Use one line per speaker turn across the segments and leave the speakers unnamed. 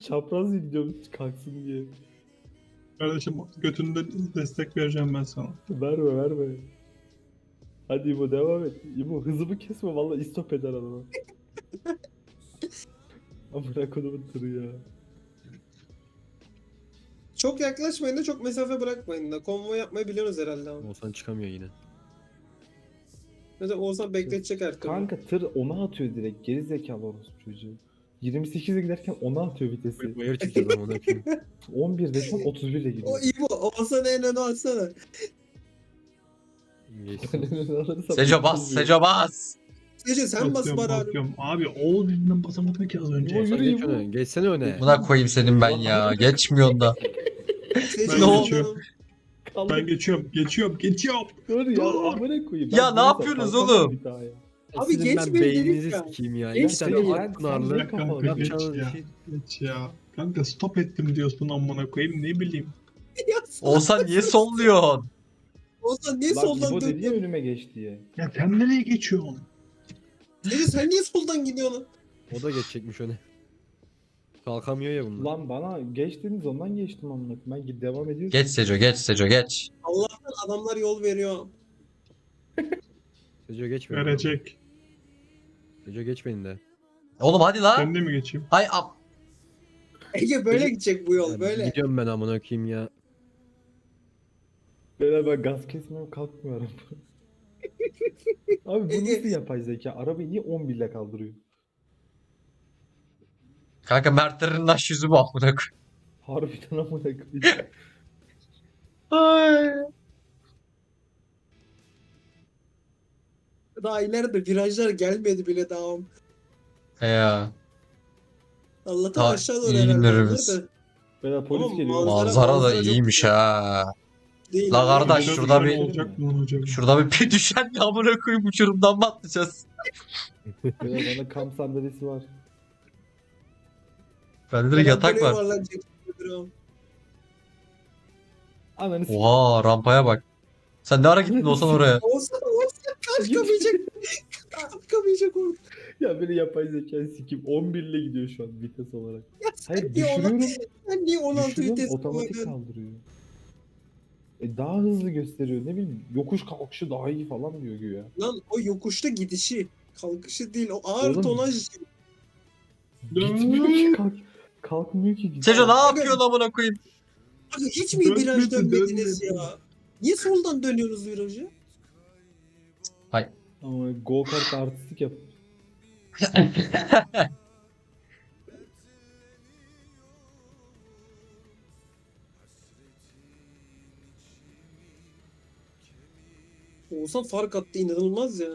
Çapraz gidiyorum kalksın diye.
Kardeşim götünde destek vereceğim ben sana.
Verme verme. Hadi İbo devam et. İbo hızımı kesme valla istop eder adamı. Amına kodumun tırı ya.
Çok yaklaşmayın da çok mesafe bırakmayın da. Konvoy yapmayı biliyorsunuz herhalde ama.
Oğuzhan çıkamıyor yine.
Mesela Oğuzhan bekletecek her türlü.
Kanka tır ona atıyor direkt. Geri zekalı orospu çocuğu. 28'e giderken ona atıyor vitesi.
Bayır çıkacağız ama ne yapayım.
11'de şu an 31'e
O
gidiyor.
İbo, Oğuzhan'ı en öne alsana.
Geçsin.
Seco bas, Seco bas.
Gece sen bas bari abi.
Basıyorum. Abi Oğuz yüzünden basamadım ki az önce.
İbo
Sen
yürü
geç
İbo.
öne. Geçsene öne.
Buna koyayım senin ben ya. Geçmiyorsun da.
Seçin
Ben
Ne o?
geçiyorum.
Kaldı.
Ben geçiyorum.
Dur ya
Dur.
amına koyayım.
Ya
Ben
ne
burada
yapıyorsunuz
kalkamam
oğlum?
bir daha ya.
Abi
Sizin
geç
ben
beni
beyninizi
dedik ya.
sikeyim ya.
Geç
İki tane
beni,
at
sen
pınarlı.
niye kafa-
Kanka geç
Yapacağınız
ya.
şey.
Geç ya. Kanka stop ettim diyorsun amına koyayım ne bileyim.
Ya
Olsan niye solluyorsun?
Oğuzhan niye
Lan
soldan
İbo dedi ya
dönüyorsun?
önüme geç diye.
Ya sen nereye geçiyorsun?
Seçin sen niye soldan gidiyorsun?
O da geçecekmiş öne. Kalkamıyor ya bunlar.
Lan bana geç dediniz ondan geçtim amına koyayım. Ben devam ediyorum.
Geç Seco, geç Seco, geç.
Allah'tan adamlar yol veriyor.
Seco geç beni.
Verecek.
Seco geç beni de.
Oğlum hadi lan.
Ben de mi geçeyim?
Hay
Ege böyle gidecek bu yol
Ya
böyle.
Gidiyorum ben amına koyayım ya.
Ben gaz kesmem kalkmıyorum. Abi bu nasıl yapay zeka? Arabayı niye 11 ile kaldırıyor?
kanka Mertlerin aş yüzü bu amına koyayım.
Harbiden amına koyayım.
Ay.
Daha ileride virajlar gelmedi bile daha.
Ya.
Allah'tan
Ha,
aşağı doğru
iyi
herhalde
günlerimiz.
onlar da.
Beyler polis
Oğlum,
geliyor.
manzara
Manzara da
çok
iyiymiş
güzel.
ha.
Değil
La
abi.
kardeş,
Şurada
şurada
bir
bir-
olacak mı lan hocam?
Şurada bir düşen de amına koyayım uçurumdan mı atlayacağız?
Beyler bana kamp sandalyesi var.
Bende de yatak
Böyle
var.
yuvarlanacak.
Ananı s***.
Oha rampaya bak. Sen ne ara gittin olsan oraya?
Oğuzhan kalkamayacak. Kalkamayacak orada.
Ya beni yapay zeka sikim 11 ile gidiyor şu an vites olarak.
Ya
Hayır
sen niye ona-
düşürüyorum.
sen niye 16
Düşürüyorum
vites
otomatik
kullanıyorsun?
kaldırıyor. Daha hızlı gösteriyor ne bileyim. Yokuş kalkışı daha iyi falan diyor güya.
Lan o yokuşta gidişi. Kalkışı değil. O ağır
Oğlum,
tonaj.
Gitmiyor ki kalkmıyor ki.
Seco ne yapıyorsun amına koyayım?
Abi hiç mi
Dönmedi,
viraj dönmediniz
dönmedi.
ya? Niye soldan dönüyorsunuz virajı?
Ama go kart artistik yap.
Oğuzhan fark attı inanılmaz ya.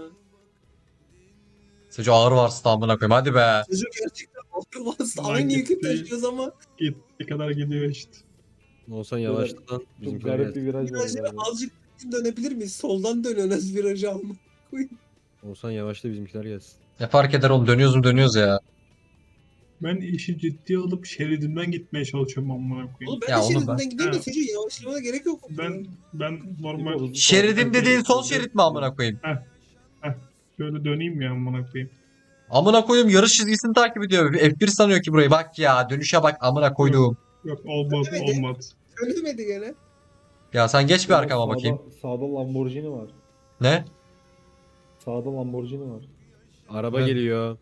Seco ağır varsın amına koyayım hadi be.
Çocuk gerçekten ağır bastı.
Lan
Aynı yükü
gitti.
taşıyoruz ama
Ne kadar gidiyor işte.
Olsan yavaşla lan.
Çok
Bizimkiler
garip bir
gelsin.
viraj var.
virajları
galiba.
azıcık dönebilir miyiz? Soldan dönüyoruz virajı ama.
Olsan yavaşla bizimkiler gelsin.
Ne fark eder oğlum, dönüyoruz mu dönüyoruz ya.
Ben işi ciddiye alıp şeridimden gitmeye çalışıyorum amına koyayım.
Oğlum ben
Ya
de
onu
şeridinden
ben-
gideyim de
Ha.
çocuğu yavaşlamana gerek yok.
Ben normal
hızlı
Şeridim
falan-
dediğin sol şerit mi amına koyayım?
şöyle döneyim ya amına koyayım.
Amına koyayım yarış çizgisini takip ediyor. F1 sanıyor ki burayı. Bak ya dönüşe bak amına koyduğum.
Yok olmaz
Evet.
olmaz.
Söylemedi gene.
Ya sen geç bir
Sağda-
arkama bakayım.
Sağda Lamborghini var.
Ne?
Sağda Lamborghini var.
Araba
Evet.
geliyor.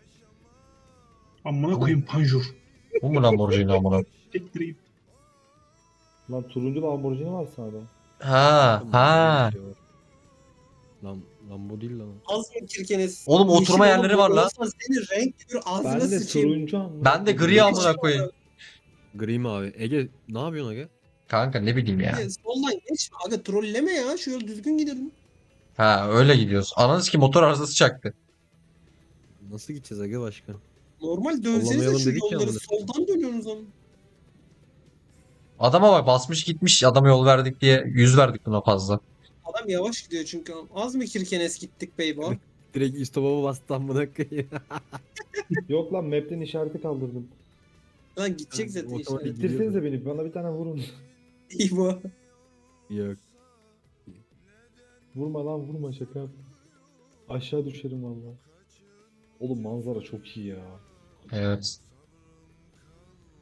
Amına koyayım panjur.
Bu mu Lamborghini amına?
Tektireyim.
Lan turuncu Lamborghini var sağda.
Ha ha.
Lan bu değil lan.
Az mı kirkeniz?
Oğlum oturma
Yeşil
yerleri
olan
var lan.
olsa Senin renk bir ağzına
Ben de
sıçayım.
turuncu anladım.
Ben de gri amına koyayım.
Gri mi abi? Ege ne yapıyorsun Ege?
Kanka ne bileyim ya.
Soldan geçme. Aga trolleme ya. Şu yol düzgün gidelim.
Ha öyle gidiyoruz. Ananız ki motor arızası çaktı.
Nasıl gideceğiz Ege başka?
Normal dönsenize
Sollamayalım
şu
dedik ya
yolları.
amına.
Soldan dönüyorsunuz ama.
Adama bak basmış gitmiş adama yol verdik diye 100 verdik buna fazla.
Adam yavaş gidiyor çünkü. Az mı kirkenes gittik beyba?
Direkt istop'a bastı amına koyayım.
Yok lan map'ten işareti kaldırdım.
Lan gidecek zaten
Otomatik
işte.
İttirsenize beni. Bana bir tane vurun.
İyi bu.
Yok.
Vurma lan vurma şaka yaptım. Aşağı düşerim valla. Oğlum manzara çok iyi ya.
Evet.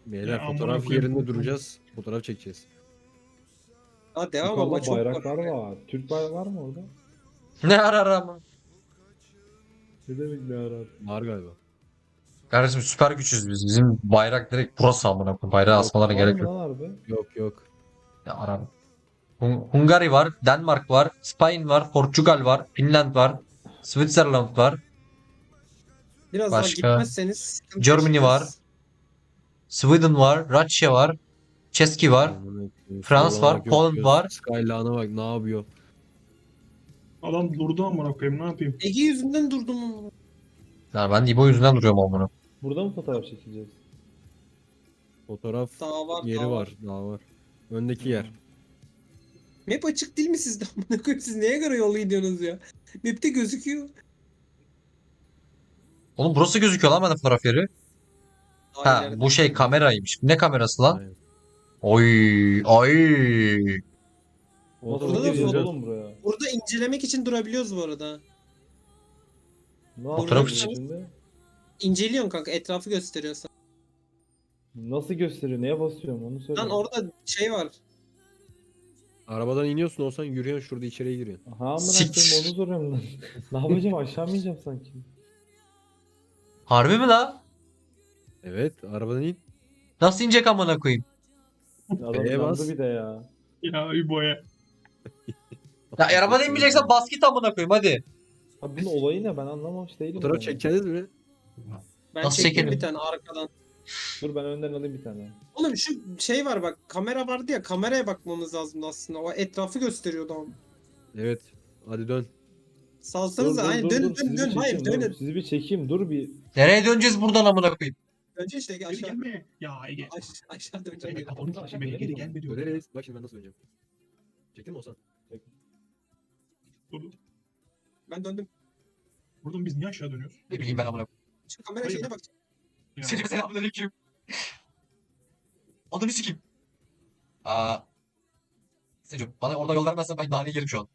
Beyler
Ya amına
fotoğraf
koyayım,
yerinde
korktum.
duracağız. Fotoğraf çekeceğiz.
Ha devam ama
Yukarıda
çok
bayraklar
var.
var. Türk bayrağı var mı orada?
Ne arar ama.
Ne demek ne arar?
Var galiba.
Kardeşim süper güçüz biz. Bizim bayrak direkt burası amına koyayım. Bayrağı asmalara
Var
gerek
mı
yok.
lan harbi?
Yok yok.
Ya arar. Hungary var, Denmark var, Spain var, Portugal var, Finland var, Switzerland var,
Biraz
Başka?
daha gitmezseniz sıkıntı
Germany
yaşayacağız.
var. Sweden var, Rusya var, Çeski var.
Amına koyayım.
Frans
Solana
var, Poland
gökyüzü,
var.
Skyline'a bak ne yapıyor.
Adam durdu amına koyayım, ne yapayım?
Ege yüzünden durdum ama.
Ya ben İbo yüzünden duruyorum amına.
Burada mı fotoğraf çekeceğiz?
Fotoğraf
Daha var,
yeri
daha
var. Daha var. Öndeki yer.
Map açık değil mi sizde? Amına koyayım, siz neye göre yolu gidiyorsunuz ya? Map'te gözüküyor.
Oğlum burası gözüküyor lan bende fotoğraf yeri. Ha
Aynen.
bu şey kameraymış. Ne kamerası lan?
Aynen.
Oy ay.
Nasıl
Burada da
gireceğiz
foto-
oğlum buraya?
Burada incelemek için durabiliyoruz bu arada.
Ne
Fotoğraf
yapıyoruz
için.
şimdi?
İnceliyorsun kanka, etrafı gösteriyor sana.
Nasıl gösteriyor? Neye basıyorum onu söyle.
Lan orada şey var.
Arabadan iniyorsun olsan yürüyorsun şurada içeriye giriyorsun.
Ha amına
Siktir.
koyayım onu soruyorum lan. Ne yapacağım aşağı mı ineceğim sanki?
Harbi mi la?
Evet arabadan in.
Nasıl inecek amına koyayım?
Adam
B'ye
yandı
bas.
bir de ya.
Ya İbo'ya.
Ya arabadan inmeyeceksen bas git amına koyayım hadi.
Abi bunun olayı ne ben anlamamış değilim.
Fotoğraf
yani.
çekeceğiz mi?
Ben
Nasıl
çektim
çekelim?
bir tane arkadan.
Dur ben önden alayım bir tane.
Oğlum şu şey var bak, kamera vardı ya, kameraya bakmamız lazımdı aslında. O etrafı gösteriyordu ama.
Evet. Hadi dön.
Salsanıza, aynen dön
sizi
dön
bir
dön, hayır
çekeyim,
dönün.
dur. Sizi bir çekeyim dur bir.
Nereye döneceğiz buradan amına koyayım?
Önce işte
Geri
aşağı.
gelme. Ya Ege.
Aşağı döneceğim.
Ege kafanı taşı beni, geri gelme diyor.
Döneriz. Bak şimdi ben nasıl döneceğim. Çektin mi Oğuzhan?
Durdu.
Ben döndüm.
Buradan biz niye aşağı dönüyoruz?
Ne bileyim ben amına koyayım.
Şu kamera
Hayır.
şeyine bak.
Ya.
Selamünaleyküm. Adını sikeyim. Aa. Seco bana orada yol vermezsen ben naneyi yerim şu an.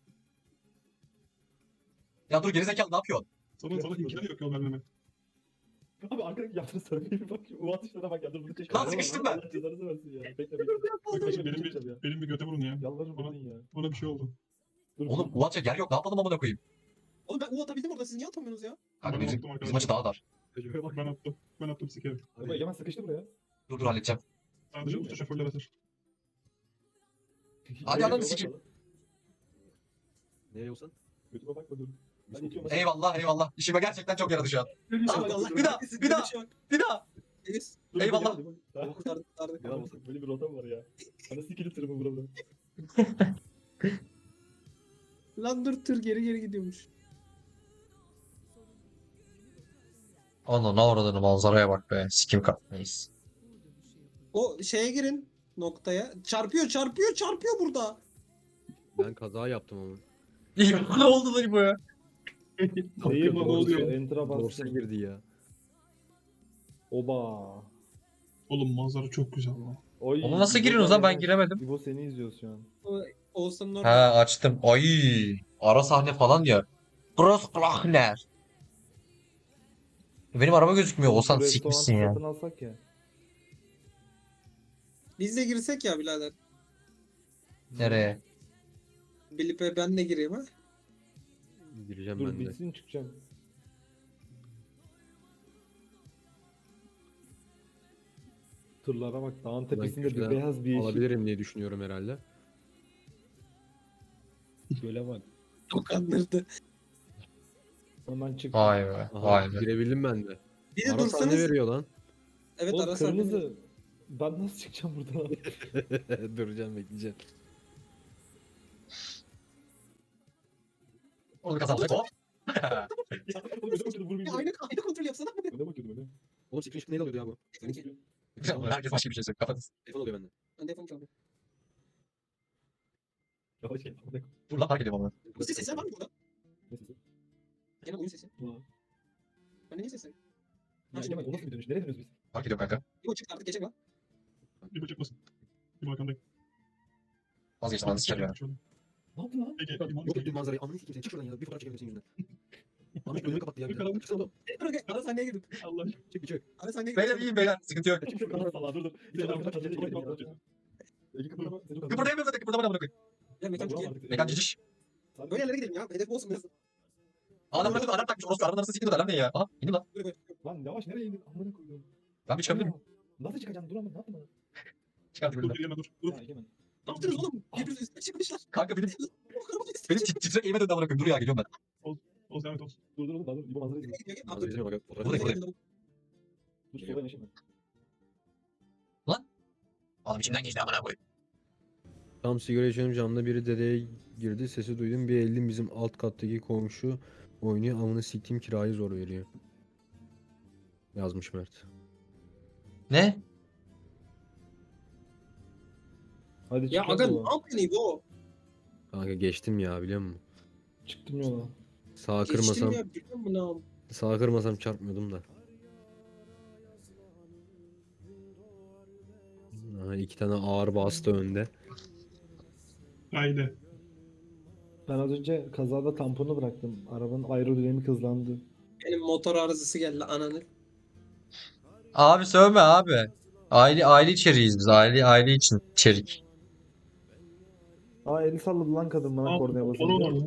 Ya dur gerizekalı ne yapıyorsun?
Sana imkanı yok yol vermeme.
Abi arkadaki yaptığını söyleyeyim bak. O atışlara bak ya dur bunu çek.
Lan sıkıştım ben.
Allah cezanızı versin ya. Bekle bekle.
Arkadaşlar benim bir göte vurun ya.
Yalvarırım
Bana,
vurun ya.
bana bir şey oldu.
Dur,
Oğlum ulanca yer yok ne yapalım amına koyayım.
Oğlum ben U atabildim orada, siz niye atamıyorsunuz ya?
Kanka
Ben
bizim,
attım
bizim açı daha dar.
Tecrübeye bak.
Ben attım. Ben attım sikerim.
Ama Egemen sıkıştı buraya.
Dur halledeceğim.
Sadece usta şoförler atar.
Hadi ananı sikeyim.
Nereye Oğuzhan?
Götüme bakma dur. Ben itiyorum.
Eyvallah eyvallah. İşime gerçekten çok yaradı şu an.
Allah
bir daha, bir daha. Bir daha.
Deniz.
Eyvallah.
Kurtardık kurtardık.
Ya böyle bir rotam var ya. Bana sikili tırımı burada.
Lan dur, tır geri geri gidiyormuş.
Ana ne oradan manzaraya bak be. Sikim kapmayız.
O şeye girin, noktaya. Çarpıyor çarpıyor çarpıyor burada.
Ben kaza yaptım ama.
Ne oldu lan bu ya?
Değil
ne
mi?
oluyor?
Enter'a
Borsa
bastım.
girdi ya.
Oba.
Oğlum manzara çok güzel lan.
Oy,
Onu nasıl
İbo
giriyorsunuz lan? Ben
gel.
giremedim.
İbo seni izliyoruz şu an.
Oğuzhan'ın
Ha
orada.
açtım. Ay. Ara sahne falan ya. Großglachner. Benim araba gözükmüyor. Olsan
Şu
sikmişsin
restoranı
ya.
satın alsak ya.
Biz de girsek ya birader.
Nereye?
Bilip'e ben de gireyim ha.
Gireceğim
Dur
ben de.
bitsin çıkacağım. Tırlara bak dağın tepesinde bir
şurada
beyaz bir yeşil.
Alabilirim diye düşünüyorum herhalde.
Göle bak.
Dokandırdı.
Hemen çık.
Vay be.
Aha,
Vay be.
girebildim ben de.
Bir de
Ara sahne
dursanız.
veriyor lan.
Evet,
Oğlum
ara sahne.
kırmızı. Ben nasıl çıkacağım buradan?
Duracağım bekleyeceğim.
Onu kazandık. Hop.
Ya, oğlum öne bakıyordum, vurmayayım
Ya,
diye.
aynı kontrol yapsana.
Öne bakıyordum öne.
Oğlum screen shot neyle alıyordu ya bu?
Seninki.
Herkes başka bir şey söylüyor. Kafanız.
Telefon oluyor bende.
Ben telefonu çaldım.
Yavaş gel. amına koyayım.
Dur lan fark ediyorum onu.
Bu sesler var mı burada?
Ne sesi?
Genel oyun sesi.
Ulan.
Ben de niye sesler?
Ya Egemen o nasıl bir dönüş? Nereye dönüyoruz biz?
Fark ediyorum kanka.
İbo çıktı artık, geçecek lan.
İbo çıkmasın. İbo arkandayım.
Vazgeçtim anı sikerim ya.
Ne yaptın lan?
Ege,
Bak,
İbo
Yok ettim manzarayı. Ananı sikeyim seni. Çık şuradan ya. Bir fotoğraf çekelim senin yüzünden. Abi önümü kapattı ya.
Karanlık.
Çıksana oğlum.
Ara sahneye girdim.
Allah.
Çık bir çık.
Ara sahneye
Beyler
girdim.
iyiyim beyler. Sıkıntı yok.
Dur dur.
Kıpırdayamıyorum zaten. Kıpırdama amına koyayım.
Ya mekan çok iyi.
Mekan ciciş.
Böyle yerlere gidelim ya. Hedef olsun biraz.
Adamlar da alarm takmış. Orası arabanın arasında sikiyordu. Alarm ne ya? Aha indi lan.
Lan yavaş nereye indin? Amına koyuyorum.
Ben bir çıkabilirim.
Nasıl çıkacaksın? Dur ama ne yapma.
Çıkardık
Dur
böyle.
Egemen dur. Dur.
Ya Egemen.
Ne yaptınız oğlum? Birbirinize üstüne çıkmışlar.
Kanka benim
Benim
titrek eğime döndü amına koyayım. Dur ya geliyorum ben.
O zahmet olsun.
Dur dur dur. İbo manzara izle.
Manzaraya bak.
Buradayım.
Dur sola yanaşayım
Oğlum içimden geçti amına koyayım.
Tam sigara içiyorum, camda biri dedeye girdi, sesi duydum, bir eldim bizim alt kattaki komşu oynuyor, amına siktiğim kirayı zor veriyor. Yazmış Mert.
Ne?
Hadi
Ya
çık
aga ne
yola.
yapıyorsun İbo?
Kanka geçtim ya, biliyor musun?
Çıktım yola.
Sağa
Geçtim
kırmasam,
ya biliyor musun ne yapayım?
sağa kırmasam çarpmıyordum da. Aha, iki tane ağır bastı önde.
Haydi.
Ben az önce kazada tamponu bıraktım. Arabanın aerodinamik hızlandı.
Benim motor arızası geldi ananı.
Abi sövme abi. Aile içeriğiz biz. Aile için içerik.
Aa eli salladı lan kadın bana kornaya
Motor var
basınca.
lan.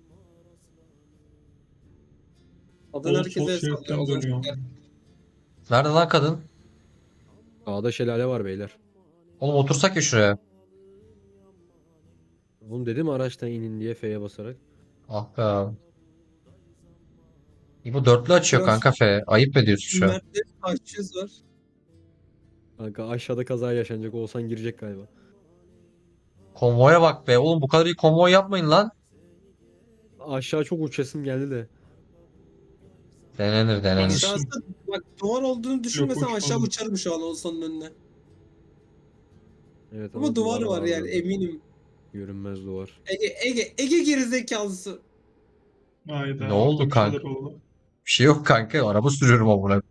Adın
O
herkese
sol
sallıyor.
şeritten
O zaman
dönüyor.
Nerede lan kadın?
Sağda şelale var beyler.
Oğlum otursak ya şuraya.
Oğlum dedim araçtan inin diye F'ye basarak.
Ah be abi. İbo dörtlü açıyor
Biraz-
kanka F. Ayıp ediyorsun şu an.
Mert'te taşçız var.
Kanka aşağıda kaza yaşanacak, olsan girecek galiba.
Konvoya bak be. Oğlum bu kadar iyi konvoy yapmayın lan.
Aşağı çok uçasım geldi de.
Denenir denenir.
Aşağısı bak duvar olduğunu düşünmesem
Yok,
aşağı
uçmadım.
uçarım şu an Oğuzhan'ın önüne.
Evet
Ama duvar var yani
orada.
eminim.
Görünmez duvar.
Ege gerizekalısı.
Hayda.
Ne oldu
orada bir
kanka?
şeyler oldu.
Bir şey yok kanka. Araba sürüyorum amına.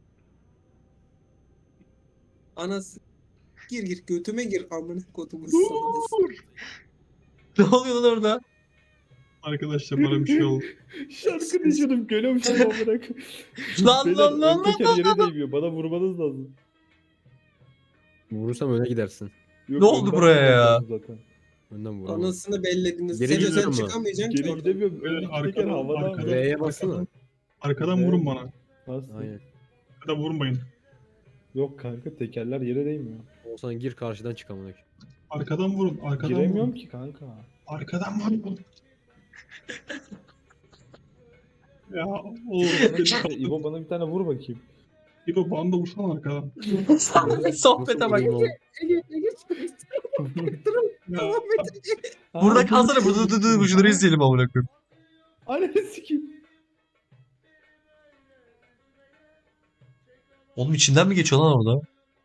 Anası. Gir götüme gir amına kodumu sana.
Ne oluyor lan orada?
Arkadaşlar bana bir şey oldu.
Şarkı diyordum görüyormuşum amına koyayım.
Lan,
Beyler,
lan, lan,
ön teker yere değmiyor. Bana vurmanız lazım.
Vurursam öne gidersin.
Yok,
Ne oldu
önden
buraya
vurmanız
ya?
lazım Zaten.
Önden vuramam.
Anasını bellediniz.
Geri
Seco sen
gidiyorum ben.
çıkamayacaksın ki
Geri
oradan.
gidemiyorum.
Böyle
Öndeki teker
arkadan-
havada.
arkadan-
ama.
R'ye bassana.
Arkadan vurun bana.
Bastım.
Aynen.
Ya da vurmayın.
Yok kanka tekerler yere değmiyor.
Olsan gir, karşıdan çık amına koyayım.
Arkadan vurun. Arkadan
Giremiyorum
vurun.
ki kanka.
Arkadan vurun. Ya oğlum
Bana
beni
kimse-
kaldır.
İbo bana bir tane vur bakayım.
İbo bana da vursana arkadan.
Sohbete bak.
Nasıl vurayım oğlum?
Ya,
Burada kalsana. Burada dur şunları izleyelim amına koyayım.
Ananı sikeyim.
Oğlum içinden mi geçiyor lan orada?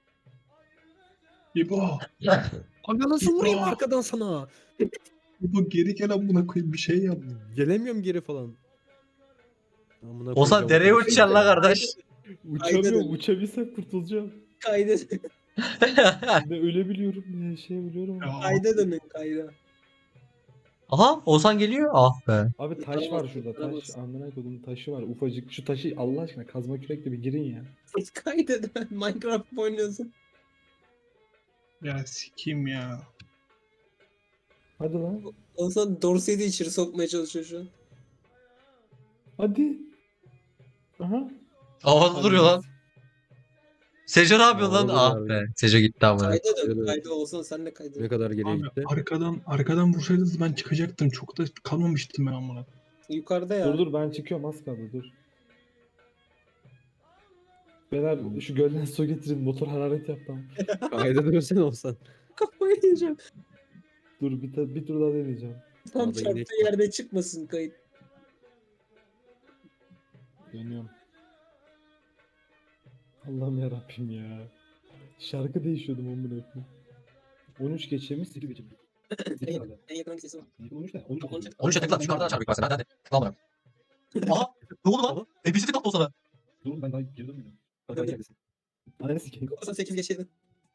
İbo.
Aga nasıl vurayım
Ya.
arkadan sana?
İbo geri gel amına koyayım bir şey yap.
Gelemiyorum geri falan. Amına
Ozan
koyacağım
dereye
otobüsü.
uçacaksın lan kardeş.
Uçamıyorum.
Aynen.
Uçabilsem kurtulacağım.
Kayda,
Ne ölebiliyorum ne şey biliyorum.
Ya,
kayda dönün kayda.
Aha Ozan geliyor. Ah be.
Abi taş
Kurtaramaz,
var şurada taş.
kurtaramaz.
Amına koydum taşı var ufacık. Şu taşı Allah aşkına kazma kürekle bir girin ya.
Kayda dön. Minecraft mı oynuyorsun?
ya sikeyim ya.
Hadi lan.
Oğuzhan Dorsey'i de içeri sokmaya çalışıyor şu an.
Hadi. Aha.
Havada duruyor lan. Seco ne yapıyor lan?
Havada
Ah
duruyor
be. Seco gitti amına.
Kayda dön.
Evet.
Kayda Oğuzhan sen de kayda
Ne
dön.
kadar geriye
Abi
gitti?
arkadan vursaydınız ben çıkacaktım. Çok da kalmamıştım ben amına.
Yukarıda ya.
Dur ben çıkıyorum az kaldı dur. Beyler şu gölden su getirin motor hararet yaptım.
Kayda dönsene olsan.
Kafayı yiyeceğim.
Dur bir tur daha deneyeceğim.
Tam
Sağda
çarptığı
inek
yerde çıkmasın kayıt.
Dönüyorum. Allah'ım yarabbim ya. Şarkı değişiyordum amına koyayım. 13 geçemiş 8 geçemiş.
En yakın hangisi var?
13 ne? 13
13.
13'e tıkla. Yukarıdan çarpık var sen. Hadi. Tıkla amına. Aha. Ne oldu lan? NPC tıklattı o sana.
Dur ben daha geri dönmüyorum.
Dönüyor.
Ananı sikeyim.
Oğuzhan 8 geçeydin.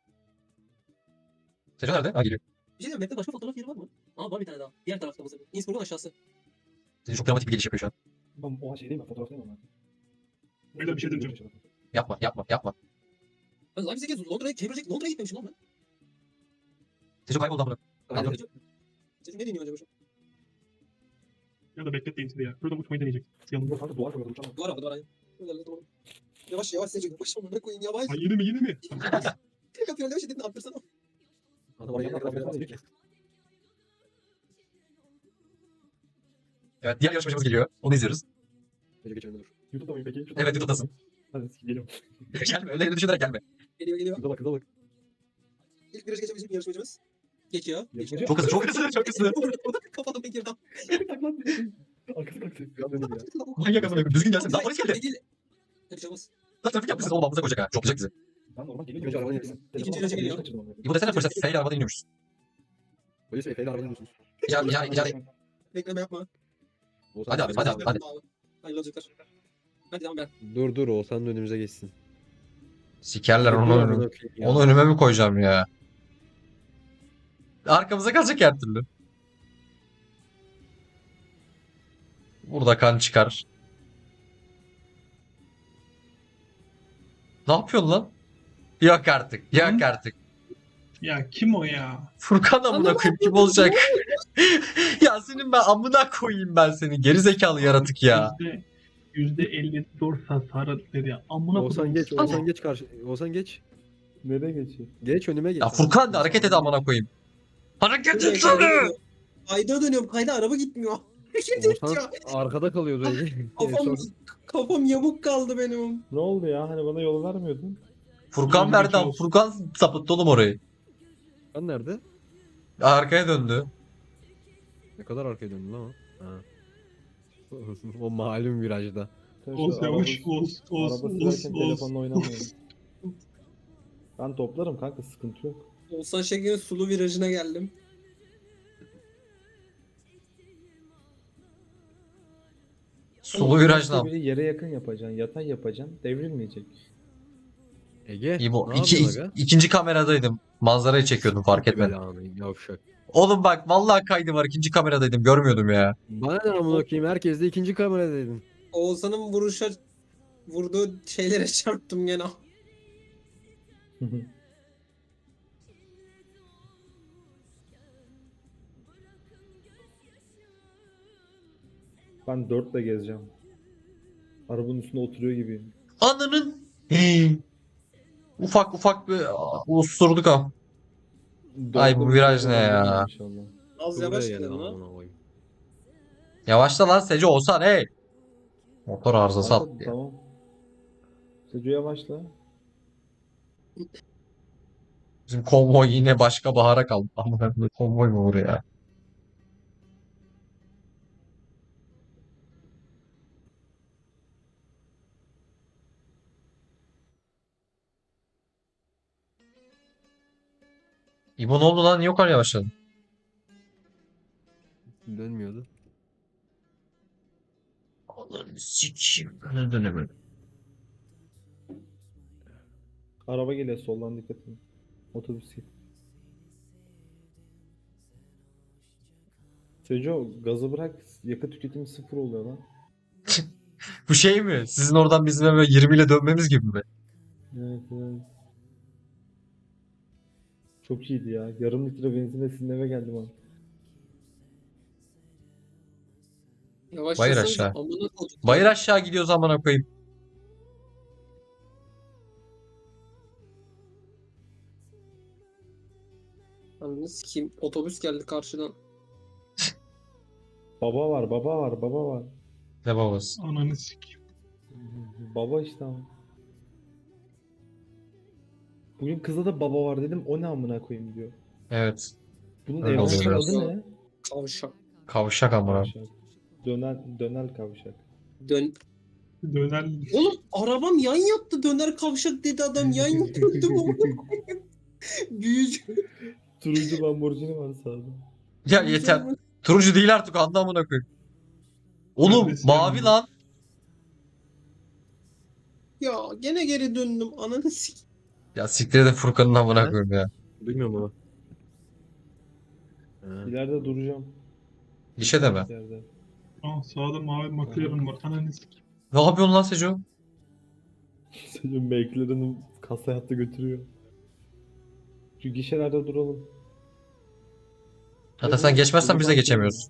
Seco nerede? Ha geliyor.
Bir şey diyeyim. Map'te başka fotoğraf yeri var mı? Aa var bir tane daha. Diğer tarafta bu sefer. Innsbruck'un aşağısı.
Seco çok dramatik bir geliş yapıyor şu an.
Ben o şey değil mi? Fotoğraftayım ama.
Öyle bir şey diyeceğim.
Yapma yapma yapma.
Ben Leipzig'e Londra'ya Londra'ya gitmemişim lan ben.
Seço kayboldu amına.
Aynen.
Çocuk ne deniyor acaba şu an?
Ya da bekletmeyin sizi ya. Burada uçmayı deneyecek. Yanımda.
Yok kanka duvar koyuyorum uçamam.
Duvar abi duvar aynen. Öyle tamam. Yavaş yavaş Seçil. Yavaş amına koyayım yavaş.
Ay yine mi yine mi?
Tek atıyor yavaş dedin attırsana.
Adam oraya kadar falan diyor ki.
Evet diğer yarışmacımız geliyor. Onu izliyoruz.
Gece geçelim dur.
YouTube'da mıyım peki?
Evet YouTube'dasın.
Hadi geliyorum.
Gelme öyle düşünerek gelme.
Geliyor geliyor.
Kıza bak kıza bak.
İlk virajı geçen bizim yarışmacımız. Geçiyor.
Yarışmacı-
Çok hızlı çok hızlı çok hızlı.
Kafadan pek girdim.
Taklan. Arkası kalktı.
Biraz döneyim ya.
Manyak amına koyayım. Düzgün gelsin. Daha polis geldi.
Bir şey olmaz.
Lan trafik yapmışsın oğlum ağzımıza koyacak ha. Çok bizi.
Ben normal
Önce
geliyorum.
arabanın yanına.
İkinci viraja geliyor.
Bu desene polise F ile arabadan iniyormuşuz.
Polis Efe'yle arabadan iniyorsunuz.
Yani
Bekleme yapma.
Oğuzhan
Hadi abi, hadi abi, hadi.
Hayırlı olacaklar. Hadi devam ben.
Dur Oğuzhan da önümüze geçsin.
sikerler
Dur,
onu
amına
önüme.
koyayım ya.
Onu önüme mi koyacağım ya? Arkamıza kalacak her türlü. Burada kan çıkar. Ne yapıyorsun lan? Yok artık. Yok artık.
Ya kim o ya?
Furkan amına koyayım kim olacak? Ya senin ben amına koyayım ben seni. Geri zekalı yaratık ya.
%54 hasarı dedi. Amına
Oğuzhan
koyayım.
geç, Oğuzhan geç karşı. Oğuzhan geç.
Nereye geçiyor?
Geç önüme geç.
Ya Furkan da hareket et amına koyayım. Hareket etsene.
Kayda dönüyorum. Kayda araba gitmiyor. Hareket
Oğuzhan
ediyor.
arkada kalıyordu öyle.
Kafam yamuk kaldı benim.
Ne oldu ya? Hani bana yol vermiyordun.
Furkan verdi ama Furkan sapıttı oğlum orayı.
Furkan nerede?
Arkaya döndü.
Ne kadar arkaya döndü lan o? Ha. O malum virajda.
Sen şu
Oğuz yavaş.
araba-
Oğuz.
Araba
Oğuz.
sürerken
Oğuz.
telefonla oynamayın. Ben toplarım kanka sıkıntı yok.
Oğuzhan Şeker'in sulu virajına geldim.
Sulu viraj
Başka
ne
biri yere yakın yapacaksın, yatay yapacaksın, devrilmeyecek.
Ege.
İbo,
ne yapıyorsun aga?
ikinci kameradaydım. Manzarayı çekiyordum fark etmedim.
Belanı, yavşak.
Oğlum bak vallahi kaydı var. İkinci kameradaydım. Görmüyordum ya.
Bana ne amına koyayım, herkes de ikinci kameradaydın.
Oğuzhan'ın vurduğu şeylere çarptım gene.
Ben 4'le gezeceğim. Arabanın üstünde oturuyor gibiyim.
Ananın. Ufak ufak bir usturduk ha. Ay, bu
Dörtte
viraj
bir
ne ya?
İnşallah.
Az
Buraya
yavaş
geldi
gidelim lan.
amına koyayım.
Yavaşla lan Sece olsan hey. Motor arızası
Kanka,
attı ya.
tamam. Seco yavaşla.
Bizim konvoy yine başka bahara kaldı. Ama ben konvoy mu olur ya? İbo ne oldu lan? Niye o kadar yavaşladın?
Dönmüyordu.
Allah'ını sikeyim. Ben dönemedim.
Araba geliyor soldan dikkat edin. Otobüs geliyor. Seco gazı bırak yakıt tüketimi 0 oluyor lan.
Bu şey mi? Sizin oradan bizim eve 20 ile dönmemiz gibi mi?
Evet evet. Çok iyiydi ya. Yarım litre benzinle sizin eve geldim abi.
Yavaşlasanız
aşağı.
amına koydum.
Bayır aşağı gidiyoruz amına koyayım.
Ananı sikeyim. Otobüs geldi karşıdan.
Baba var, baba var, baba var.
Ne babası?
Ananı sikeyim.
Baba işte ama. Bugün kıza da baba var dedim. O ne amına koyayım diyor.
Evet.
Bunun
Öyle oluyor
evlilik
biraz.
adı ne?
Kavşak.
Kavşak amına.
Kavşak. Döner kavşak.
Dön.
Döner.
Oğlum arabam yan yattı. Döner kavşak dedi adam. Yan yattı. Büyücü.
Turuncu Lamborghini var sağda.
Ya yeter. Turuncu değil artık anla amına koyayım. Oğlum
Neredesin
mavi
ya?
lan.
Ya gene geri döndüm. Ananı sikeyim.
Ya siktir de Furkan'ın amına
Ne?
koyayım ya.
Duymuyorum ama. Ha.
İleride duracağım.
İşe de mi?
İleride.
Aa, sağda mavi McLaren var. Ananı sikeyim.
Ne yapıyorsun lan Seco?
Senin McLaren'ın kasa hattı götürüyor. Şu gişelerde duralım.
Zaten sen geçmezsen biz de geçemiyoruz.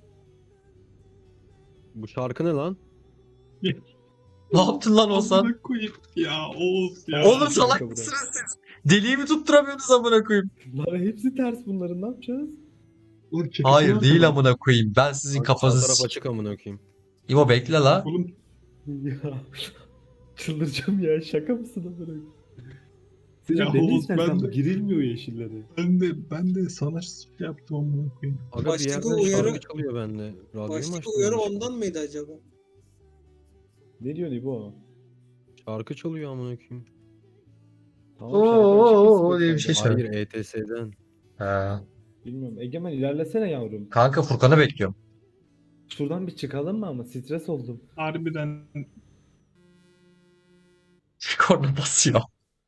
Bu şarkı ne lan?
Ne yaptın lan Oğuzhan?
Amına koyayım ya Oğuz ya.
Oğlum salak
Kanka bırak.
mısınız siz? Deliği mi tutturamıyorsunuz amına koyayım?
Lan hepsi ters bunların, ne yapacağız?
Oğlum çekilsene
Hayır
lan.
değil amına koyayım. Ben sizin
Kanka sağ taraf
kafanızı...
açık amına koyayım.
İbo bekle la.
Oğlum
Ya çıldıracağım ya, şaka mısın amına?
Ya
Senin ne
Oğuz,
istersen
ben
bu
de-
girilmiyor yeşillere.
ben de sana şey yaptım amına koyayım.
Aga bir
Baştaki
yerden
uyarı-
şarkı çalıyor bende. Radyoyu mu
Baştaki
açtım
uyarı
yanlışlıkla?
ondan mıydı acaba?
Ne diyorsun İbo?
Şarkı çalıyor amına koyayım.
Tamam, şarkı açık
diye bir şey
Spotify'da.
söyle.
Hayır ETS'den.
Ha.
Bilmiyorum. Egemen ilerlesene yavrum.
Kanka Furkan'ı bekliyorum.
Şuradan bir çıkalım mı ama stres oldum.
Harbiden
Korna basıyor.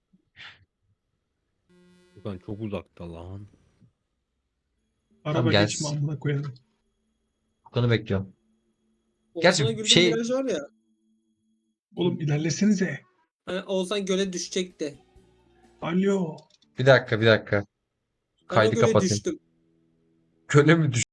Furkan çok uzakta lan.
araba
gel.
geçme amına koyalım.
Furkan'ı bekliyorum. Gerçi
Oğuzhan'a Gül'de
şey-
viraj var ya.
Oğlum ilerlesenize.
Hani Oğuzhan göle düşecekti.
Alo.
Bir dakika.
Ben o
Kaydı
göle
kapatayım.
düştüm.
Köle mi